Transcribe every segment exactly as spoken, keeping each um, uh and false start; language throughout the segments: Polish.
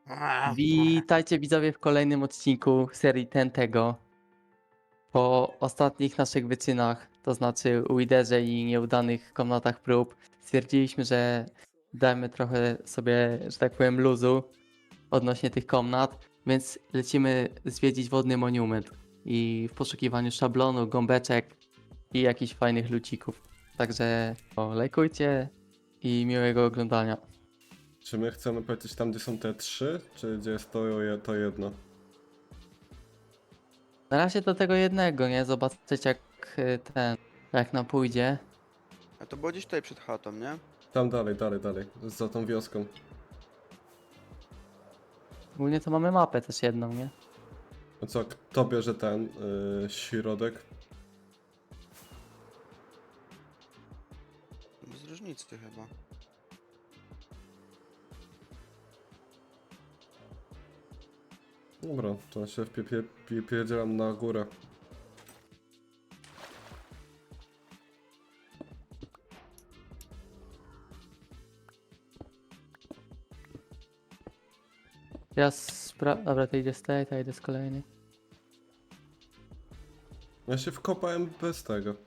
Witajcie widzowie w kolejnym odcinku serii Tentego. Po ostatnich naszych wyczynach, to znaczy Widerze i nieudanych komnatach prób, stwierdziliśmy, że dajmy trochę sobie, że tak powiem, luzu odnośnie tych komnat, więc lecimy zwiedzić wodny monument i w poszukiwaniu szablonu, gąbeczek i jakichś fajnych lucików. Także o, lajkujcie i miłego oglądania. Czy my chcemy powiedzieć tam, gdzie są te trzy, czy gdzie jest to, je- to jedno? Na razie do tego jednego, nie? Zobaczyć jak y, ten, jak nam pójdzie. A to było gdzieś tutaj przed chatą, nie? Tam dalej, dalej, dalej, za tą wioską. Ogólnie to mamy mapę też jedną, nie? No co, kto bierze ten yy, środek? Bez różnicy chyba. Dobra, to się wpie- pie- pie- pierdzielam na górę. Ja spra... Dobra, to idzie z tej, to idę z kolejnej. Ja się wkopałem bez tego.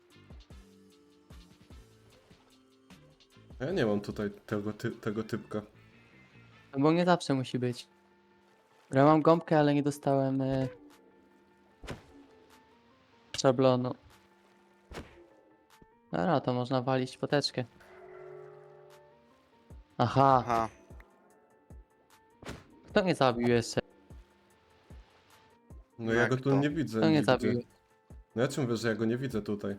Ja nie mam tutaj tego, ty tego typka. No bo nie zawsze musi być. Ja mam gąbkę, ale nie dostałem y... szablonu. Dobra, to można walić poteczkę. Aha, Aha, kto mnie zabił jeszcze? No No ja jak go tu to? nie widzę Kto mnie nigdzie. zabił? No ja ci mówię, że ja go nie widzę tutaj.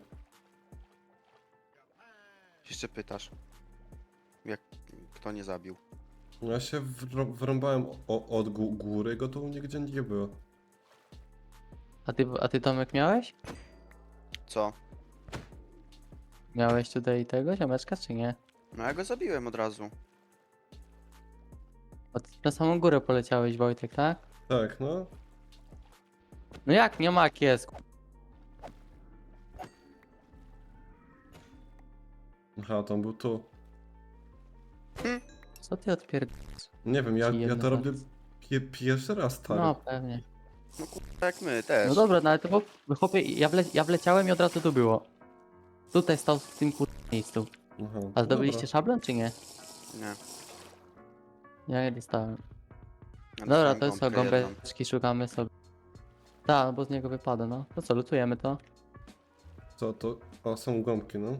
jeszcze pytasz. Jak kto nie zabił? No ja się wrą- wrąbałem o, od gó- góry, go tu nigdzie nie było. A ty, a ty Tomek miałeś? Co? Miałeś tutaj tego ziomeczka, czy nie? No ja go zabiłem od razu. Bo ty na samą górę poleciałeś, Wojtek, tak? Tak, no. No jak, nie mak jest. Aha, to on był tu. Co ty odpierdolasz? Nie wiem, ja, Ci ja to jedno robię pie pierwszy raz, stary. No, pewnie. No kurwa jak my też. No dobra, no ale to bo, chłopie, ja, wle, ja wleciałem i od razu tu było. Tutaj stał w tym kur... miejscu. Aha, A no zdobyliście dobra. szablon, czy nie? Nie. Ja nie dostałem. Ja Dobra, dostałem to jest co, gąbkę jedną. gąbeczki szukamy sobie. Tak, no bo z niego wypada, no. To co, lutujemy to? Co to? O, są gąbki, no.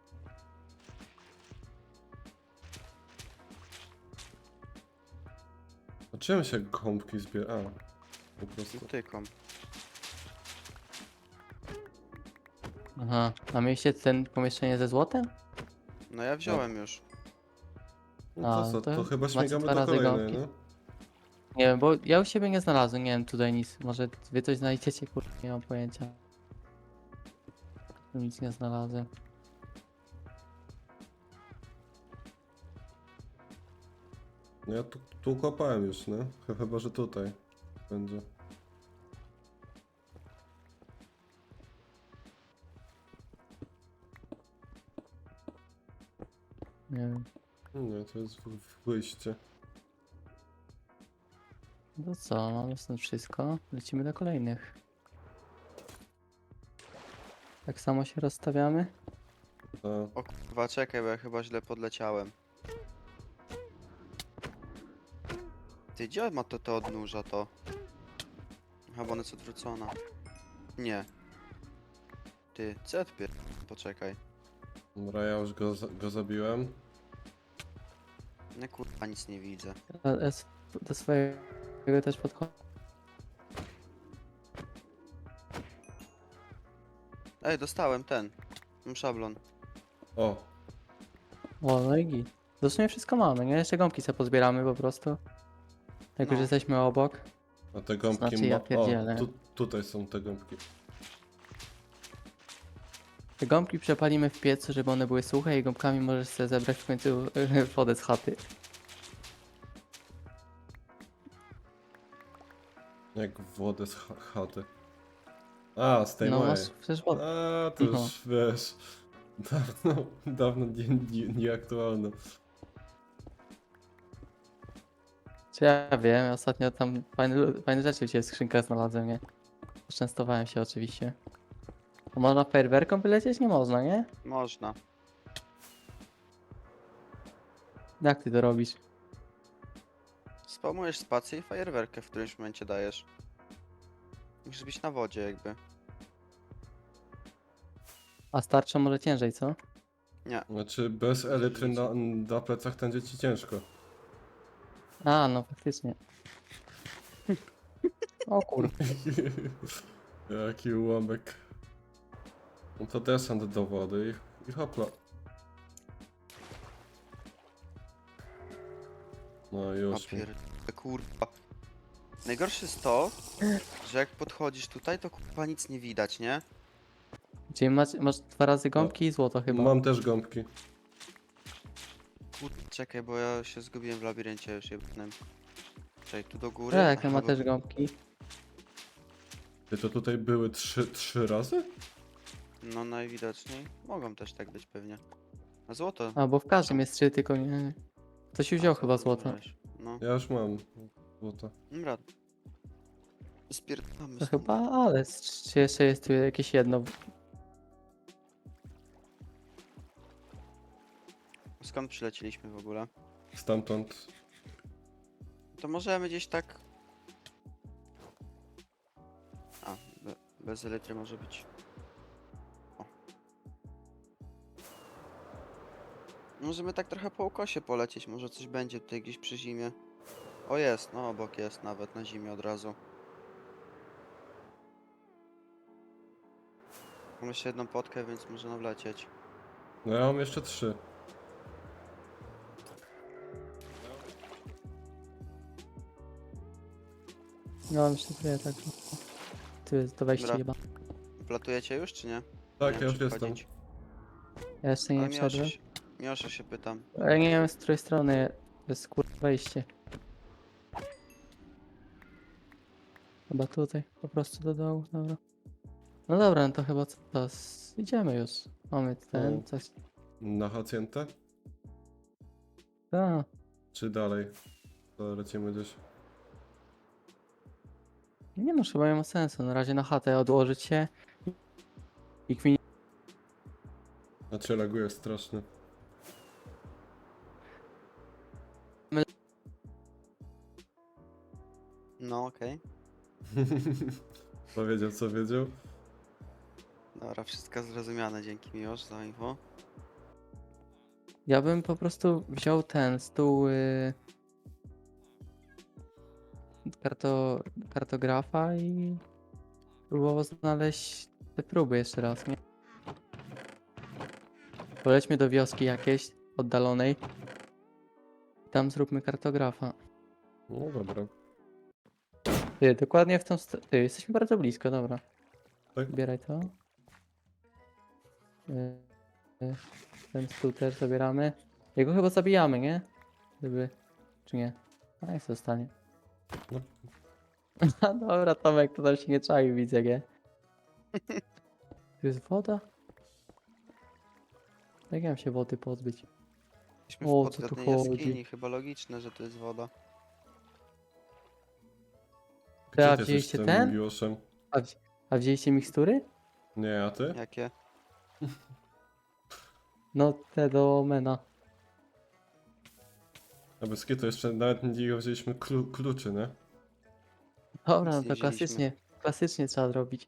A czym się gąbki zbiera? A, po prostu. Tyką. Aha. A mieliście ten pomieszczenie ze złotem? No ja wziąłem już. No A, to co, to to chyba macie śmigamy dwa do razy kolejnej, gąbki. no. Nie wiem, bo ja u siebie nie znalazłem, nie wiem tutaj nic. Może wy coś znajdziecie, kur... nie mam pojęcia. Tu nic nie znalazłem. No ja tu, tu kopałem już, no. Ch- Chyba, że tutaj będzie. Nie wiem. Nie, to jest w- w wyjście. No co, mamy stąd wszystko. Lecimy do kolejnych. Tak samo się rozstawiamy. A, O kurwa czekaj, bo ja chyba źle podleciałem. Ty gdzie ma to te odnóża to? Chyba ona jest odwrócona. Nie. Ty, co ja odpier... Poczekaj. dobra, ja już go, za- go zabiłem. Nie kurwa nic nie widzę. A, a s- do swojego też podchodzę. Ej, dostałem ten. Mam szablon. O, O, no i git. W sumie wszystko mamy, nie? Jeszcze gąbki sobie pozbieramy po prostu. Jak już No. jesteśmy obok. a te gąbki Znaczy, ja ma... pierdzielę. O, tu, tutaj są te gąbki. Te gąbki przepalimy w piecu, żeby one były suche i gąbkami możesz sobie zebrać w końcu wodę z chaty. Jak wodę z ch chaty. A, z tej No mojej. masz przecież wodę. A, to No. już wiesz. Dawno, dawno nie, nie, nieaktualne. Czy ja wiem, ostatnio tam fajne, fajne rzeczy u ciebie w skrzynkach znalazłem, nie? Poczęstowałem się oczywiście. A można fajerwerką wylecieć? Nie można, nie? Można. Jak ty to robisz? Spamujesz spację i fajerwerkę w którymś momencie dajesz. Musisz być na wodzie jakby. A starczą może ciężej, co? Znaczy bez elitry na, na plecach będzie ci ciężko. A, no faktycznie. O kur... Jaki ułamek. No to desant do wody i, i hopla. No już. mi. Papier... Kurwa. Najgorsze jest to, że jak podchodzisz tutaj, to kurwa nic nie widać, nie? Czyli masz, masz dwa razy gąbki i złoto chyba. Mam też gąbki. Kurde, czekaj, bo ja się zgubiłem w labiryncie już jednym. Czekaj, tu do góry. Tak, Aha, ma bo- też gąbki. Ty to tutaj były trzy, trzy razy? No najwidoczniej. Mogą też tak być pewnie. A złoto. A, bo w każdym jest trzy, tylko nie... Ktoś już wziął A, chyba złoto. wziąłeś. No, Ja już mam złoto. dobra. Spierdamy To stąd. chyba, ale czy jeszcze jest tu jakieś jedno? Skąd przylecieliśmy w ogóle? Stamtąd. To możemy gdzieś tak... A, be, bez elitry może być. O. Możemy tak trochę po ukosie polecieć, może coś będzie tutaj gdzieś przy zimie. O jest, no obok jest nawet na zimie od razu. Mam jeszcze jedną potkę, więc może nawlecieć. No ja mam jeszcze trzy. No, mam jeszcze tyle, tak. Tu jest do wejścia Dobra. chyba. Platujecie już, czy nie? Tak, Nie ja wiem, już czy jestem. wchodzić. Ja jeszcze nie Ale Miosza wszedłem. się, Miosza się pytam. Ale nie wiem z której strony jest kur... wejście. Chyba tutaj, po prostu do dołu, dobra. No dobra, no to chyba co teraz idziemy już. Mamy ten, O. coś. Na hacjentę? A, Czy dalej? To lecimy gdzieś. nie no, chyba nie ma sensu. Na razie na chatę odłożyć się. I kmin... Znaczy laguje strasznie. No okej. Powiedział co wiedział. Dobra, wszystko zrozumiane, dzięki Miłosz za info. Ja bym po prostu wziął ten stół y... karto... kartografa i próbował znaleźć te próby jeszcze raz, nie? Polećmy do wioski jakiejś oddalonej. Tam zróbmy kartografa. No dobra. Ty, dokładnie w tą stronę. Ty, jesteśmy bardzo blisko, dobra. Tak? Zbieraj to. Y, y, Ten stół też zabieramy. Jego chyba zabijamy, nie? Gdyby... Czy nie? A jak zostanie. No. No dobra, Tomek, to tam się nie czai, widzę, nie? Tu jest woda? Jak ja mam się wody pozbyć? Jesteśmy O, w co tu podwodnej chodzi? jaskini, chyba logiczne, że to jest woda. Gdzie a ty jesteś wzięliście z tym ten? Miłoszem? A, wzi- a wzięliście mikstury? Nie, a ty? Jakie? No, te do mena. A bez kitu jeszcze nawet nie wzięliśmy klu kluczy, nie? Dobra, no Nic nie to wzięliśmy. klasycznie, klasycznie trzeba zrobić.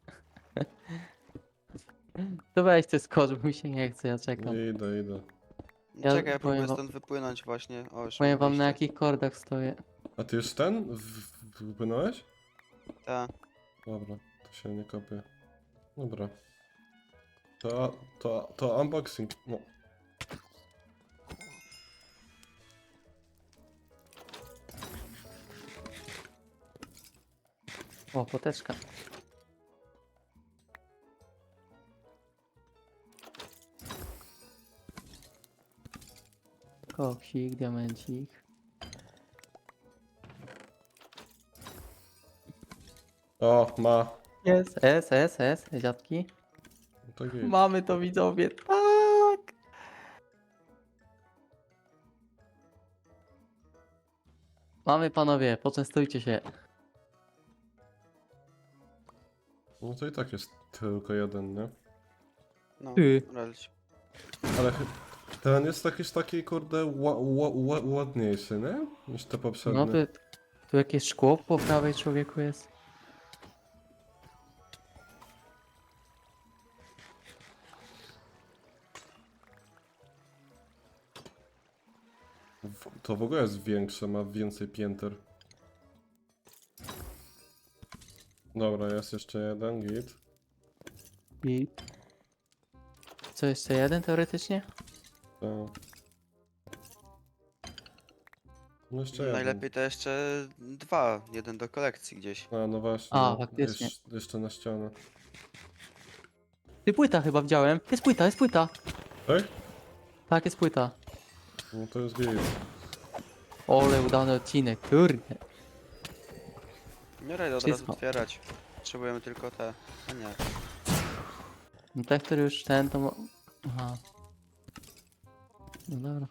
To weź ty skocz, bo mi się nie chce, ja czekam. Idę, idę. No Ja czekaj, ja powiem próbuję wam- stąd wypłynąć właśnie. O, już Powiem mam wam na wyjście. jakich kordach stoję. A ty już ten? W- w- Wypłynąłeś? Ta. Dobra, to się nie kopię. Dobra. To, to, to unboxing. No. O, poteczka. Koksik, diamencik. O, ma. Jest, S, S, S, dziadki. No to git. Mamy to, widzowie, tak! Mamy panowie, poczęstujcie się. No to i tak jest tylko jeden, nie? No, Ty. relć. Ale chy- ten jest jakiś taki, kurde, ła, ła, ła, ładniejszy, nie? Niż te No poprzednie. tu, tu jakieś szkło po prawej człowieku jest. W- To w ogóle jest większe, ma więcej pięter. Dobra, jest jeszcze jeden, git. I... Co, jeszcze jeden teoretycznie? Tak. No jeszcze jeden. Najlepiej to jeszcze dwa, jeden do kolekcji gdzieś. A, no właśnie. A, no. faktycznie. Jesz- jeszcze na ścianę. Ty, płyta chyba widziałem. Jest płyta, jest płyta. Tak? Tak, jest płyta. No to jest git. Ole, udany odcinek, kurde. Nie rajdę od Wszystko. razu otwierać. Potrzebujemy tylko te. A nie. No ten, który już ten, to... mo- Aha. No dobra.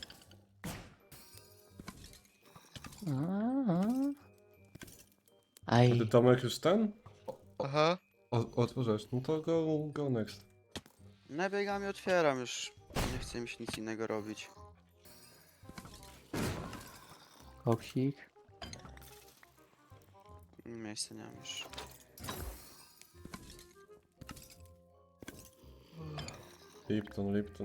A, a. A ty Aj. Tomek już ten? Aha. O, otworzysz. No to go, go next. Nabiegam i otwieram już. Nie chcę mi się nic innego robić. Koksik. Miejsca nie mam już. Lipton, Lipton.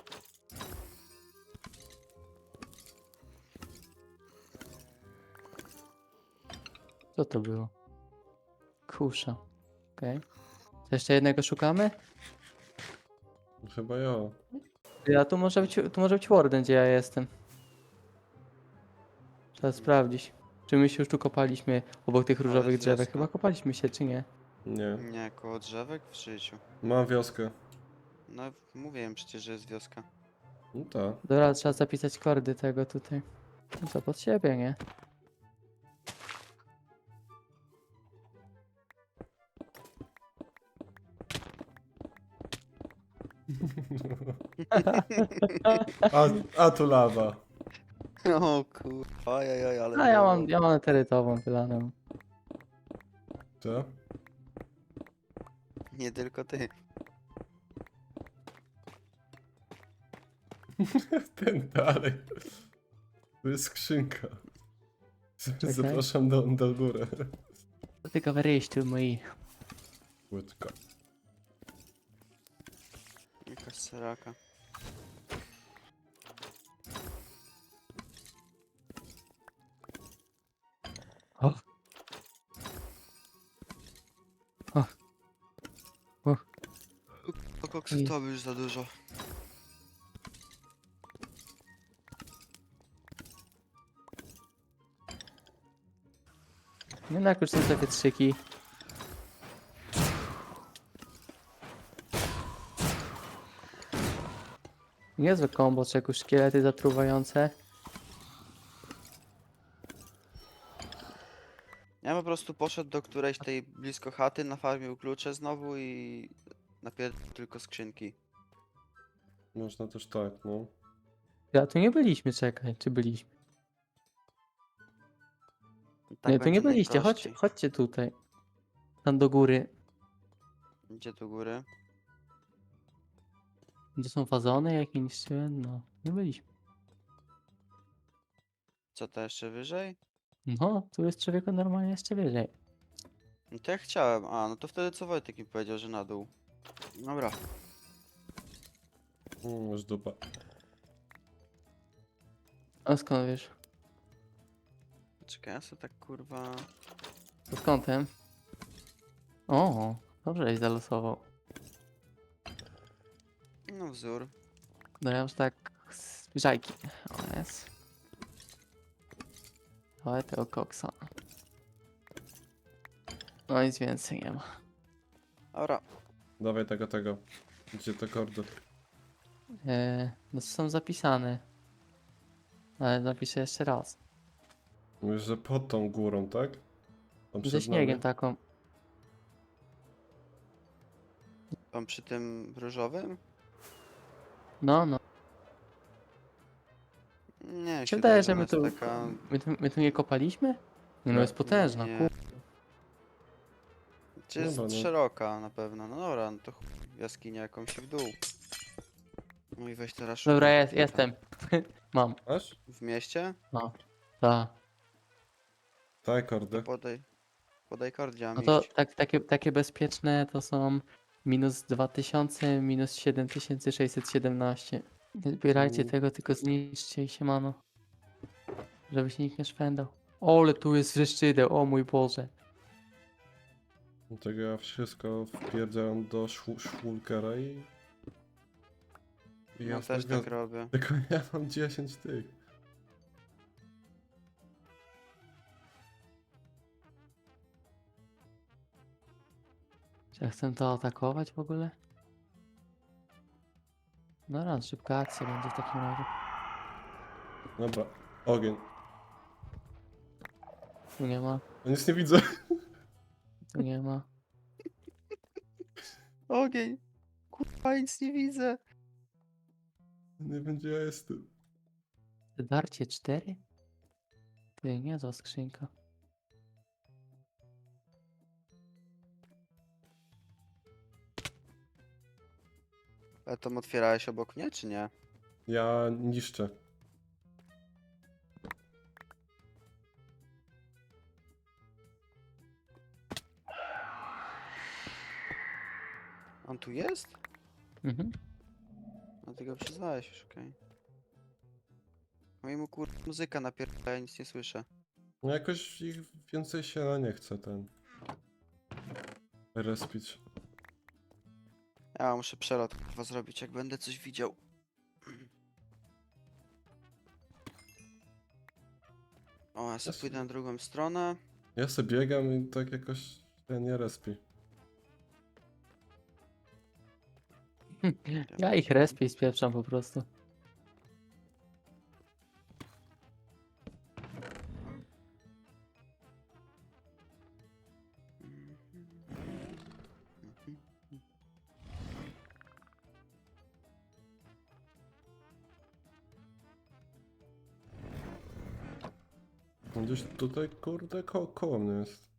Co to było? Kusza. Okej. To jeszcze jednego szukamy? Chyba ja. Ja tu może być, tu może być Warden, gdzie ja jestem. Trzeba sprawdzić. Czy my się już tu kopaliśmy obok tych różowych jest drzewek? wioska. Chyba kopaliśmy się, czy nie? Nie. Nie, koło drzewek w życiu. Mam wioskę. No mówiłem przecież, że jest wioska. No tak. Dobra, trzeba zapisać kordy tego tutaj. No to pod siebie, nie? A, a tu lawa. O kurwa, ojej, ale... A ja było. mam, ja mam eterytową wylaną. Co? Nie tylko ty. Ten dalej. To jest skrzynka. Czekaj. Zapraszam do, do góry. To tylko wyjść tu moi. Łódka. Jakaś seraka. O. O. O. To koksu I- to by już za dużo. Nie no, jak już są te wietrzyki. Niezłe kombo, czegoś szkielety zatruwające. Ja po prostu poszedł do którejś tej blisko chaty, nafarmił klucze znowu i napierdolił tylko skrzynki. Można też tak, no. Ja tu nie byliśmy, czekaj, czy byliśmy? Tak nie, tu nie będzie byliście, chodź, najprościej. chodźcie tutaj. Tam do góry. Gdzie tu góry? Gdzie są fazony, jak je niszczyłem? No, nie byliśmy. Co to jeszcze wyżej? No, tu jest człowieku normalnie jeszcze wyżej. No to ja chciałem. A, no to wtedy co Wojtek mi powiedział, że na dół. Dobra. Mm, już dupa. A skąd wiesz? Czekaj, ja sobie tak kurwa... Pod kątem. O, dobrze żeś zalosował. No wzór. No ja już tak zbliżajki. O jest. Ale tego koksa. No nic więcej nie ma. Dobra. Dawaj tego, tego. Gdzie te kordy? Eee, no są zapisane. Ale napiszę jeszcze raz. Mówisz, że pod tą górą, tak? Tam Ze przed śniegiem nami? taką. Tam przy tym różowym? No, no. Nie, mi Się się wydaje, wydaje, że że my ona tu, jest taka... my, tu, my tu nie kopaliśmy? Nie, no Nie. jest potężna, Nie. kur... Czy jest Dobra, no. szeroka na pewno? No dobra, no to chuj, jaskinia jakąś w dół. No i weź teraz Dobra, szukaj jest, hita. jestem. Mam. Masz? W mieście? No. Tak. Daj To kordy. podaj... Podaj kord, gdzie mam No to iść. tak, takie, takie bezpieczne to są minus dwa tysiące, minus siedem tysięcy sześćset siedemnaście. Nie zbierajcie Mm. tego, tylko zniszczcie i siemano. Żeby się nikt nie szwendał. O, ale tu jest wrzeszczydeł, o mój Boże. Dlatego ja wszystko wpierdzam do szwu- szwulkera i... I No ja też tak tak robię. Tylko ja mam dziesięć tych. Czy ja chcę to atakować w ogóle? No raz, szybka akcja będzie w takim razie. Dobra, ogień. Tu nie ma, Ja nic nie widzę. tu nie ma. Ogień! Kurwa, nic nie widzę. Nie wiem gdzie ja jestem. Darcie cztery? Ty, niezła skrzynka. Ale to otwierałeś obok mnie, czy nie? Ja niszczę. On tu jest? Mhm. No ty go przyznałeś już, okej. Mojemu kur... muzyka napierdala, ja nic nie słyszę. No jakoś ich więcej się nie chce ten... Respić. Ja muszę przelot kurwa zrobić, jak będę coś widział. O, ja sobie Jasne. pójdę na drugą stronę. Ja sobie biegam i tak jakoś się nie respi. Ja ich respię i spieprzam po prostu. No gdzieś tutaj kurde ko koło mnie jest.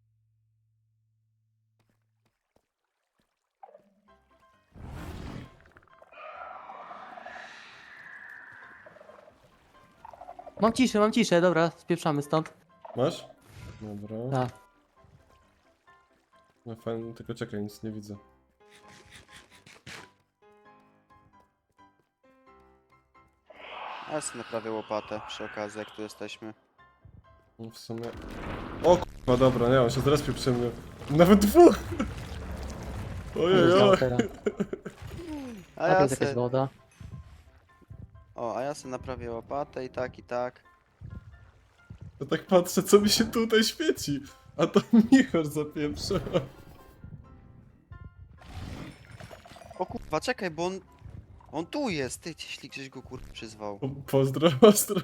Mam ciszę, mam ciszę, dobra, spieprzamy stąd. Masz? Dobra. Tak. No fajnie, tylko czekaj, nic nie widzę. A ja sobie naprawię łopatę przy okazji, jak tu jesteśmy. No w sumie... O kurwa, dobra, nie, on się zrespił przy mnie. Nawet dwóch! Ojej, Znał oj. teraz. A A to ja jest jakaś se... woda. O, a ja sobie naprawię łopatę i tak, i tak. Ja tak patrzę, co mi się tutaj świeci. A to Michor zapieprza. O kurwa, czekaj, bo on... On tu jest, ty, jeśli ktoś go kurwa przyzwał. Po- Pozdro, pozdro.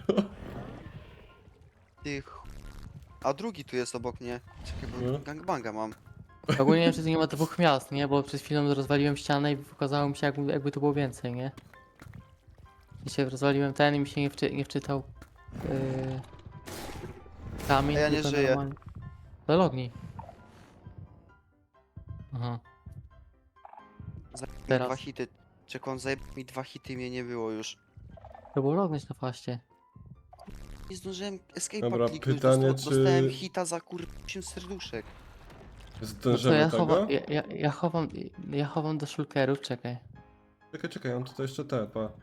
Ty ch... A drugi tu jest obok mnie. Czekaj, bo No. gangbanga mam. Ogólnie nie wiem, czy tu nie ma dwóch miast, nie? Bo przed chwilą rozwaliłem ścianę i pokazało mi się, jakby, jakby tu było więcej, nie? I się rozwaliłem ten i mi się nie, wczy, nie wczytał yy, kamień. A ja nie tylko żyję. normalnie. To lognij. Aha. Zajeb mi Teraz. dwa hity. Czekaj, on zajeb mi dwa hity i mnie nie było już. To było lognąć na faście. Nie zdążyłem escape'a Dobra, kliknąć, pytanie, dosta- czy- dostałem hita za kur... osiem serduszek. No to Zdążymy ja tego? chowam, ja, ja, ja chowam, ja chowam do shulkerów, czekaj. Czekaj, czekaj, on tutaj jeszcze te, pa.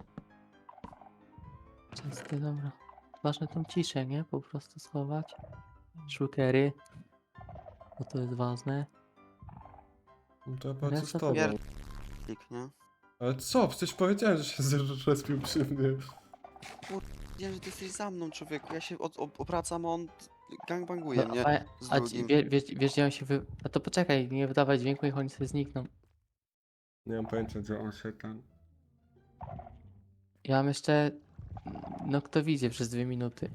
Częsty, dobra. Ważne tą ciszę, nie? Po prostu schować. Shulkery. Bo to jest ważne. No to ja patrzę z Reszta to tobą. Pier- Klik, nie? Ale co? Przecież powiedziałem, że się zrespił przy mnie. Wiedziałem, że ty jesteś za mną, człowieku. Ja się od, ob- obracam, a on gangbanguje No, mnie a, z a ci, drugim. wie, wiesz, wiesz, gdzie on się wy... A to poczekaj, nie wydawaj dźwięku, niech oni sobie znikną. Nie mam pojęcia, gdzie on się tam... Ja mam jeszcze... No kto widzi przez dwie minuty.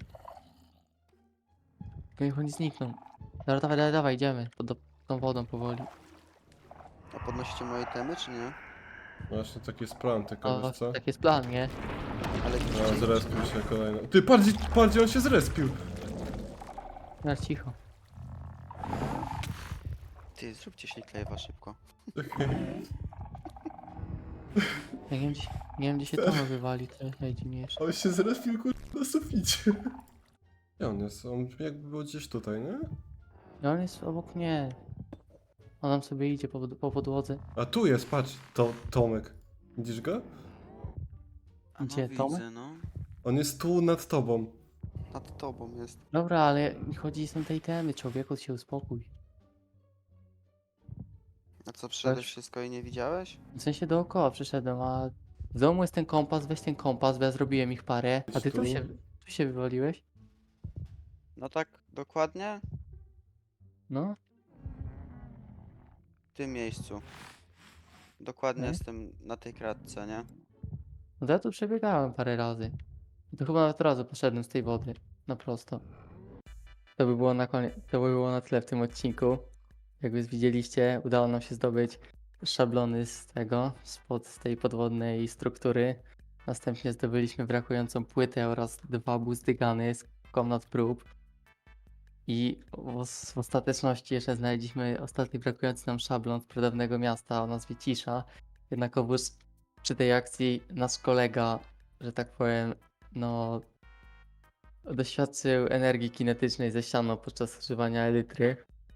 Tylko niech oni znikną. Dobra, dawaj, dawaj, dawaj, idziemy. Pod do, tą wodą powoli. A podnosicie moje temy, czy nie? Właśnie taki jest plan, tylko O, wiesz co? tak jest plan, nie? Ale No, widzicie? zrespił się kolejno. Ty, patrz, gdzie- patrz, gdzie on się zrespił. Na cicho. Ty, zróbcie śliklejwa szybko. Ja nie wiem, gdzie, nie wiem, gdzie się Tomek wywali, to jest najdziwniejsze. On się zrespił, kurde, na suficie. Gdzie on jest? On jakby był gdzieś tutaj, nie? No on jest obok mnie. On tam sobie idzie po, po podłodze. A tu jest, patrz, to Tomek. Widzisz go? A Gdzie, no Tomek? widzę, no. On jest tu nad tobą. Nad tobą jest. Dobra, ale mi chodzi są te itemy, człowieku, się uspokój. A co, przyszedłeś Weź. wszystko i nie widziałeś? W sensie dookoła przyszedłem, a w domu jest ten kompas, weź ten kompas, bo ja zrobiłem ich parę. A ty tu Tu? się, tu się wywaliłeś? No tak, dokładnie No, w tym miejscu. Dokładnie Okej. jestem na tej kratce, nie? no to ja tu przebiegałem parę razy. I to chyba nawet razu poszedłem z tej wody, na prosto. To by było na koniec, to by było na tyle w tym odcinku. Jak już widzieliście, udało nam się zdobyć szablony z tego, spod z tej podwodnej struktury. Następnie zdobyliśmy brakującą płytę oraz dwa buzdygany z komnat prób. I w, w ostateczności jeszcze znaleźliśmy ostatni brakujący nam szablon z pradawnego miasta o nazwie Cisza. Jednakowoż przy tej akcji nasz kolega, że tak powiem, no doświadczył energii kinetycznej ze ścianą podczas używania elitry.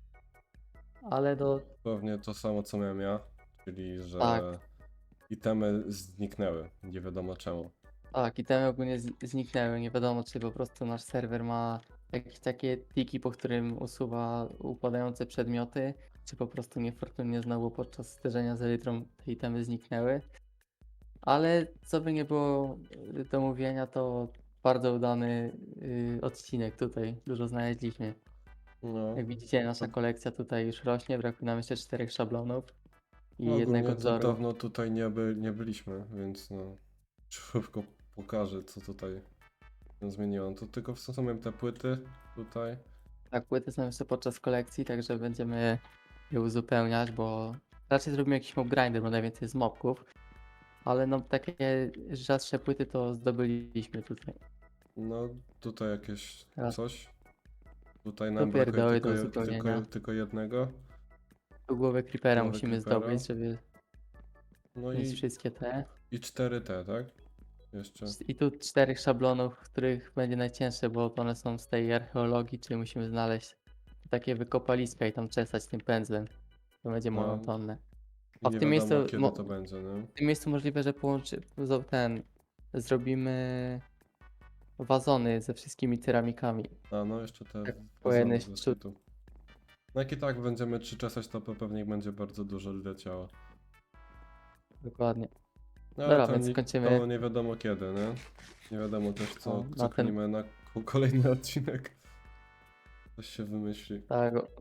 Ale do Pewnie to samo co miałem ja, czyli że Tak. itemy zniknęły, nie wiadomo czemu. Tak, itemy ogólnie z- zniknęły. Nie wiadomo, czy po prostu nasz serwer ma jakieś takie tiki, po którym usuwa upadające przedmioty, czy po prostu niefortunnie znowu podczas zderzenia z elitrą te itemy zniknęły. Ale co by nie było y, do mówienia, to bardzo udany y, odcinek tutaj. Dużo znaleźliśmy. No, Jak widzicie, nasza kolekcja tutaj już rośnie. Brakuje nam jeszcze czterech szablonów i no jednego ogólnie to wzoru. dawno tutaj nie, by, nie byliśmy, więc no szybko pokażę co tutaj się zmieniło. To tylko w sumie te płyty tutaj. Tak, płyty są jeszcze podczas kolekcji, także będziemy je uzupełniać, bo raczej zrobimy jakiś mob grinder, bo najwięcej z mobków, ale no takie rzadsze płyty to zdobyliśmy tutaj. No tutaj jakieś Teraz coś. Tutaj tu nam brakuje pierdoły tylko, do je- tylko, uzupełnienia. tylko jednego. Tu głowę creepera Głowę musimy creepera. zdobyć, żeby No mieć i, wszystkie te. i cztery te, tak? Jeszcze. I tu czterech szablonów, których będzie najcięższe, bo one są z tej archeologii, czyli musimy znaleźć takie wykopaliska i tam czesać tym pędzlem. To będzie No, monotonne. I A w nie tym wiadomo miejscu kiedy mo- to będzie, nie? W tym miejscu możliwe, że połączy zo- ten zrobimy wazony ze wszystkimi ceramikami. A no jeszcze te Tak, wazony po jednej ze szczut- szczytu. No jak i tak będziemy trzy czesać, to pe- pewnie będzie bardzo dużo leciało. Dokładnie. No Dobra, ale to, więc nie, kończymy. to nie wiadomo kiedy, nie? Nie wiadomo też co, No, co na ten- klnimy na ko- kolejny odcinek. Coś się wymyśli. Tak. o-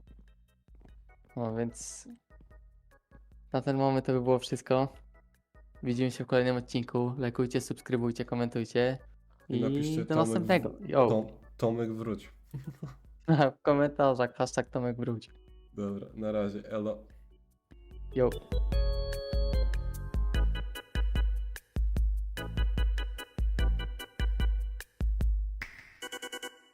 No więc na ten moment to by było wszystko. Widzimy się w kolejnym odcinku. Lajkujcie, subskrybujcie, komentujcie. I I napiszcie do Tomek następnego. w- Yo. Tom, Tomek wróć. W komentarzach hashtag Tomek wróć. Dobra, na razie, elo. Yo.